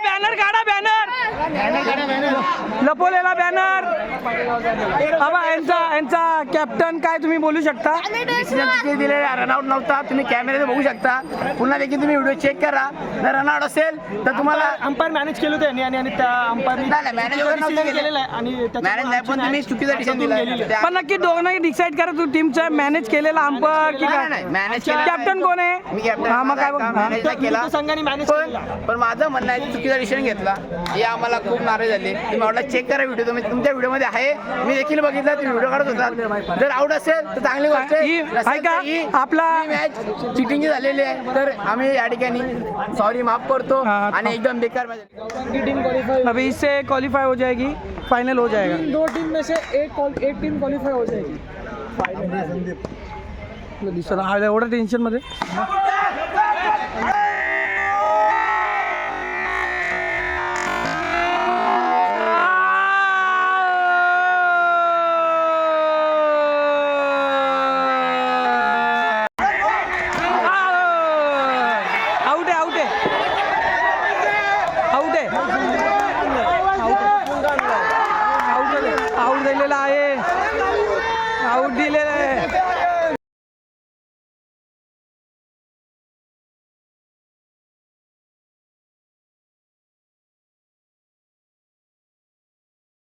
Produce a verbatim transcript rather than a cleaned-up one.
Banner काढा, banner लपवलेला banner. बाबा यांचा यांचा कॅप्टन काय तुम्ही बोलू शकता? दिलेला रनआउट नव्हता, तुम्ही कॅमेऱ्यात बघू शकता. पुन्हा देखील तुम्ही व्हिडिओ चेक करा. जर रनआउट असेल तर तुम्हाला अंपायर मॅनेज केलं होतं यांनी आणि त्या अंपायरनी नाही मॅनेज वगैरे नव्हतं केलेलं आहे आणि मॅनेज नाही, पण तुम्ही चुकीचा डिसिजन दिला. पण नक्की दोघांना डिसाईड करा तू टीमचा मॅनेज केलेला अंपायर की काय? मॅनेज कॅप्टन कोण आहे? मी कॅप्टन. हा, मग काय बोल- हा. मॅनेज केला संघाने मॅनेज पण केला. पण माझं म्हणणं आहे चुकीचा डिसिजन घेतला. हे आम्हाला खूप नाराज झाले. तुम्ही म्हटलं चेक करा व्हिडिओ, तुम्ही तुमच्या व्हिडिओमध्ये आहे, मी देखील बघितला, तुम्ही व्हिडिओ काढत होता. जर आउट असेल तर चांगली गोष्ट आहे. ही- नसेल ऐका, तर ही- आपला- ही मॅच चिटिंग झालेली आहे. तर आम्ही या ठिकाणी सॉरी माफ करतो हा, आणि एकदम बेकार मॅच झाली. टीम क्वालिफाई, अभी इससे क्वालिफाई हो जाएगी, फाइनल हो जाएगा. दो टीम में से एक क्वाल- एक टीम क्वालिफाई हो जाएगी. दिसत एवढं टेन्शन मध्ये